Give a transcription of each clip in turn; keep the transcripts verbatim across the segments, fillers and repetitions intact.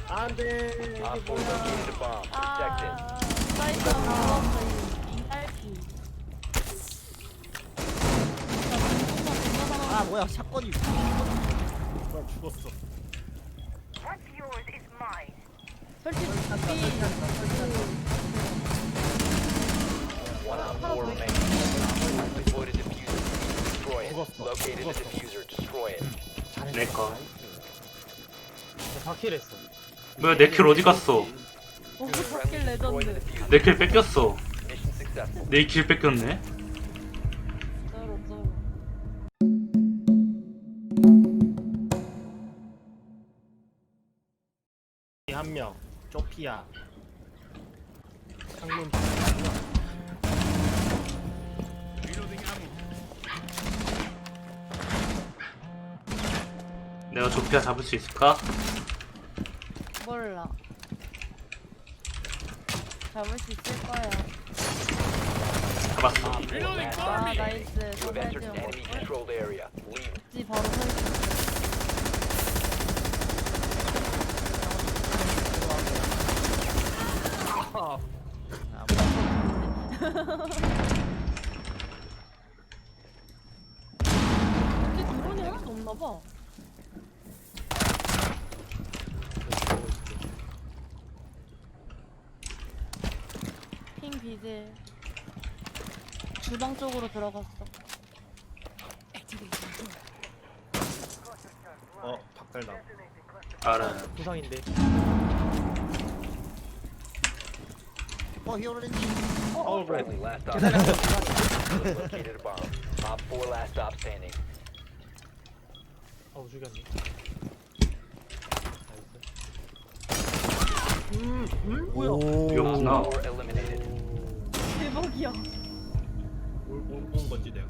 안돼. 이게 뭐야? 아, 사이트 나왔어 이 딸기. 아 뭐야 샷건이 뭐야 죽었어. 솔직히 답이 One on four remaining. Deploy the diffuser. Destroy it. 죽었어. Located the 죽었어. diffuser. Destroy it. 내 거. 사 킬 했어. 뭐야 내 킬 어디 갔어? 오 바뀔 레전드. 내 킬 뺏겼어. Mission successful. 내 킬 뺏겼네. 쩔어 쩔어. 한 명. 쪼피아. 창문. 내가 조피아 잡을 수 있을까? 몰라. 잡을 수 있을 거야. 잡았어. 아 나이스. You have entered 소매지 an enemy controlled area. Leave. 지 바로 서 있어. 아, 근데 드론이 하나도 없나 봐. 핑 비질. 주방 쪽으로 들어갔어. 어 박살나. 알아. 부상인데. 어 히어로렌지 어 그래. Friendly last stop. Located a bomb. Op four last stop standing. 어우 죽였네. 음, 음? 뭐야? Op 이거구나. four eliminated. 대박이야. 뭘본 건지 내가.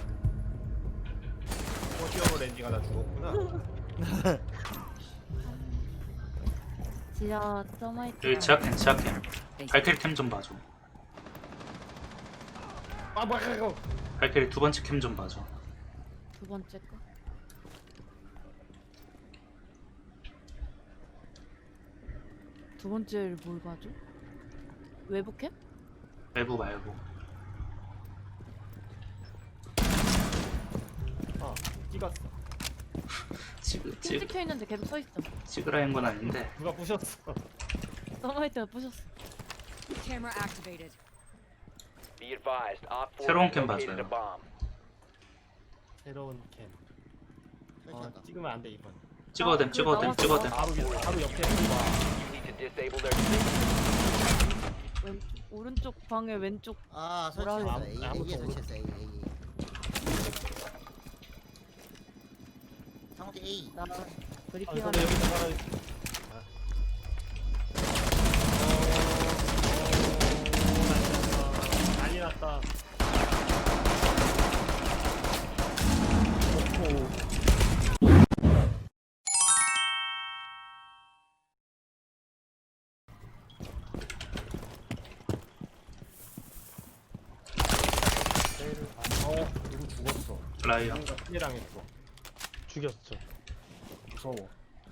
어 히어로렌지가 나 죽었구나. 지하 서마이트. 여기 지하캠 지하캠. 발키리 캠 좀 봐줘. 아 뭐야 이거. 발키리 두 번째 캠 좀 봐줘. 두 번째 거. 두 번째를 뭘 봐줘? 외부 캠? 외부 말고. 아 찍었어. 찍 핑 찍 찍혀 있는데 계속 서 있어. 찍으라는 건 아닌데. 누가 부셨어? 서마이트가 부셨어. Camera activated. Be advised. Op four 새로운 has 캠 located a 봐줘요. bomb. 새로운 캠. 어 찍으면 안 돼 이번. 찍어도 됨 찍어도 됨 찍어도 됨. 바로 밑- 바로 옆에 봐. You need to disable their 왼쪽, 오른쪽 방에 왼쪽. 아 뭐라 설치했어 그래? A 아무것도 A에 모르- 설치했어 A A 상호지 A 나 아 브리핑하는. 근데 여기서 바로. 아. 어, 난리 났다. 어, 누구 죽었어. 라이어. 누가 피해당했어. 죽였어. 무서워.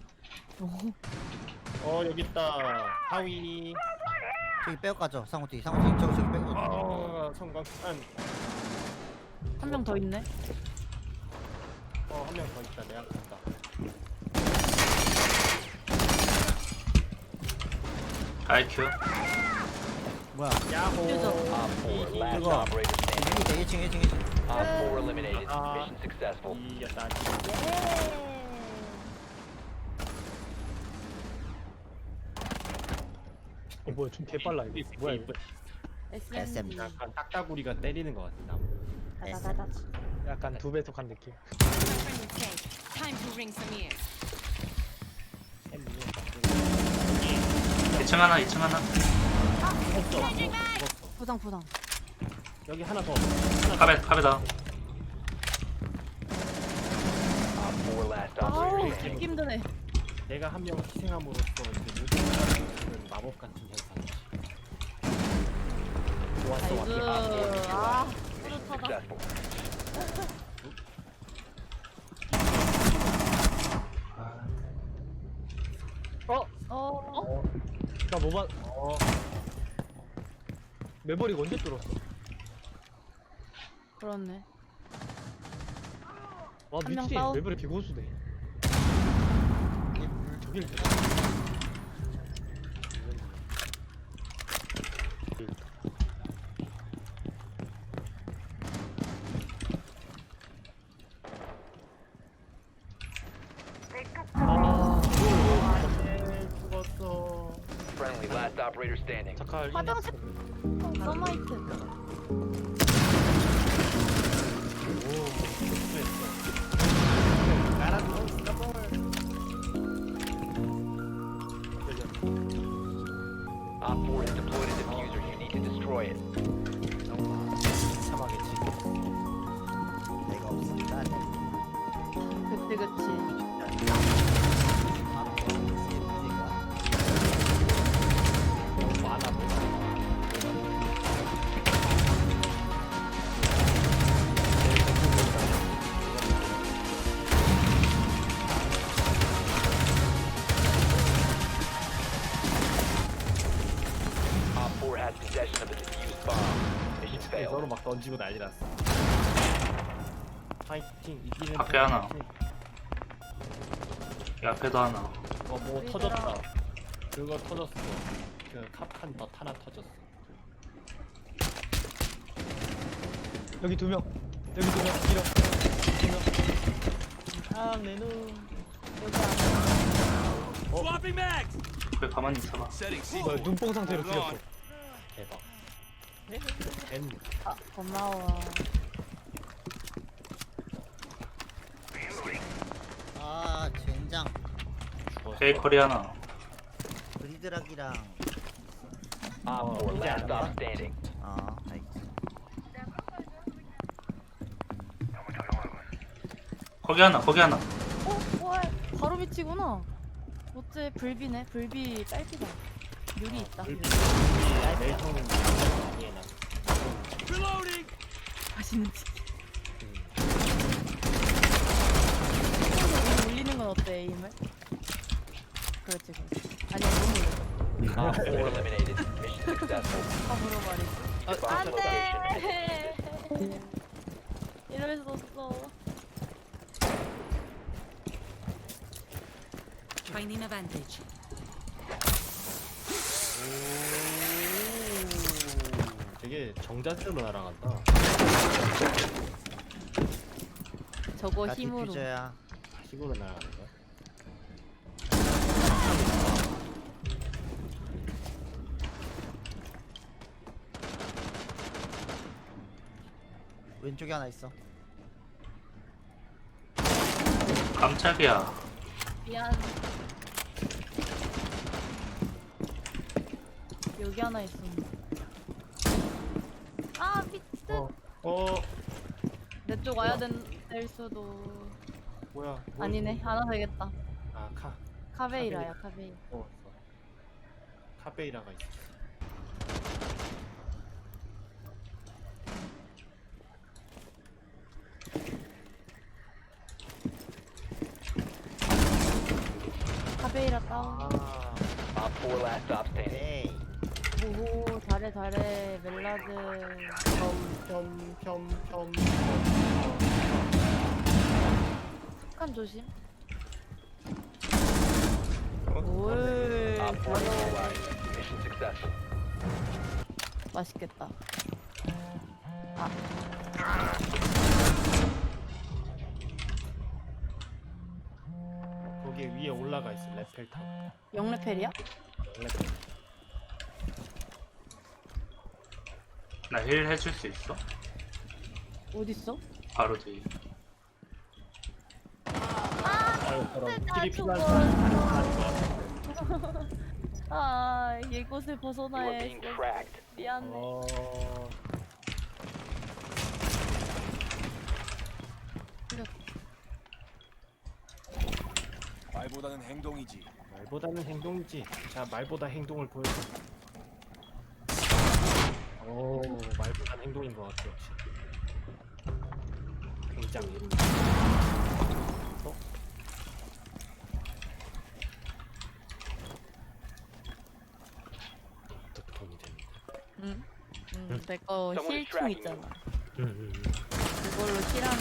어, 여기 있다. 하위. 저기 빼고 가죠 상호지 상호지 저기 저기 빼고 어, 성광. 한 명 더 있네. 어, 한 명 더 있다. 내가 갔다. 아이큐. 뭐야 야호. 퓨전. Op four last 그거. operator standing. 일 층 일 층 일 층 Op four eliminated. 아. Mission successful. 이겼다. 어 뭐야 좀 개빨라 이거 뭐야 이거 에스엠지. 약간 딱따구리가 때리는 것 같아. 나. 다다다다. 약간 두 배속한 느낌. Friendly tank. Time to ring some ears. 이 층 하나 이 층 하나. 부상 부상. 여기 하나 더. 카베 카베다. Op four last 아우 operator standing. 듣기 힘드네. 내가 한 명 희생함으로써 이제 모든 사람들은 마법 같은 현상이지. 좋았어, 나이스. 왔다. 아 Mission 뿌듯하다. successful. 어? 어 아까 뭐 봤? 어 매버릭 언제 뚫었어? 그렇네. 와 한명 미친 다운. 매버릭 비고수네. 저길 때. 아, 네, 죽었어. Friendly, last operator standing. 자칼 화장실. 어, 서마이트. 오 실수했어. 깔아줘 스타볼. Op four has deployed a diffuser. You need to destroy it. 참하게 지금. 내가 없습니다. 그치 그치. 너무 많아 보여. Op four has possession of a diffused bomb. Mission 서로 failed. 막 던지고 난리 났어. 파이팅 이기는. 앞에 하나. 이 앞에도 하나. 어뭐 우리들아. 터졌다. 그거 터졌어. 그 캅한 덧 하나 터졌어. 여기 두 명. 여기 두 명. 길어. 두 명. 아, 내 눈. 왜 가만히 있어봐. 뭐야, 눈뽕 상태로 죽였어. 대박. 엔 아 고마워. 아 젠장. 죽었어. 베이커리 하나. 브리드락이랑 Op four last stop standing. 아 알겠어. 거기 하나, 거기 하나. 어 뭐야? 바로 밑이구나. 어째 불비네. 불비 딸피다. 유리 있다. 유리. 멜통은 얘나. 맛있는 치킨. 위로 올리는 건 어때 에임을? 그렇지 그렇지. 아니야 너무 올려. 아 Op four eliminated. Mission successful. 다 물어버리지. Bomb location. 안돼. 이럴 수 없어. Finding a vantage. 되게 정자세로 날아간다. 저거 나 힘으로. 디퓨저야. 힘으로 날아가는 거야. 왼쪽에 하나 있어. 깜짝이야. 미안. 여기 하나 있었네. 아 미친. 어. 어. 내 쪽 와야 된, 될 수도. 뭐야? 뭐- 아니네. 하나 되겠다. 아 카. 카베이라야 카베이. 어. 카베이라가 있어. 카베이라 다운. 아. Op four last stop standing. 에이. 오호 잘해 잘해 멜라드. 평평평평. 북한 조심. 어? 올. Op four neutralized. Mission successful. 맛있겠다. 거기 위에 올라가 있어. 레펠탑. 영레펠이야? 레펠. 나 힐 해줄 수 있어? 어딨어? 바로 뒤. 아유 저런 나 킬이 필요한 죽어. 사람 가는 거 같아. 아 이곳을 You are 벗어나야 being 했어. tracked. 미안해. 어. 말보다는 행동이지. 말보다는 행동이지. 자, 말보다 행동을 보여줘. 오, 말보다 행동인 것 같아 역시. 굉장히. 어? 음, 내거 Someone is 힐총 tracking 있잖아. 응, 응, 응. 그걸로 힐하면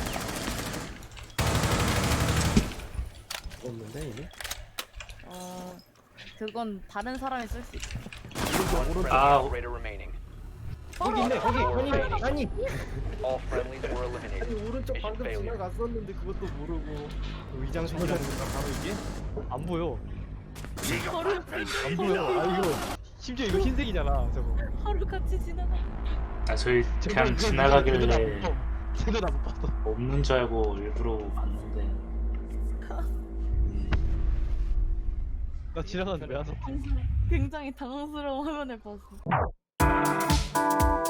죽었는데 이게? 어 그건 다른 사람이 쓸 수 있어. One friendly Ah. operator remaining. 거기 있네 거기 아니 아니 All friendlies were 아니 eliminated. 오른쪽 Mission 방금 failure. 지나갔었는데 그것도 모르고 의장 소리라는 건가 바로 이게? 안 보여. 바로 안 보여. 아 이거 심지어 이거 흰색이잖아. 저거. 하루 같이 지나가. 아 저희 저거 그냥 이거 지나가길래 쟤도 다 못- 쟤도 다 못 봤어. 없는 줄 알고 일부러 봤는데 나 지나갔는데 왜 안 왔어? 굉장히 당황스러운 화면을 봤어.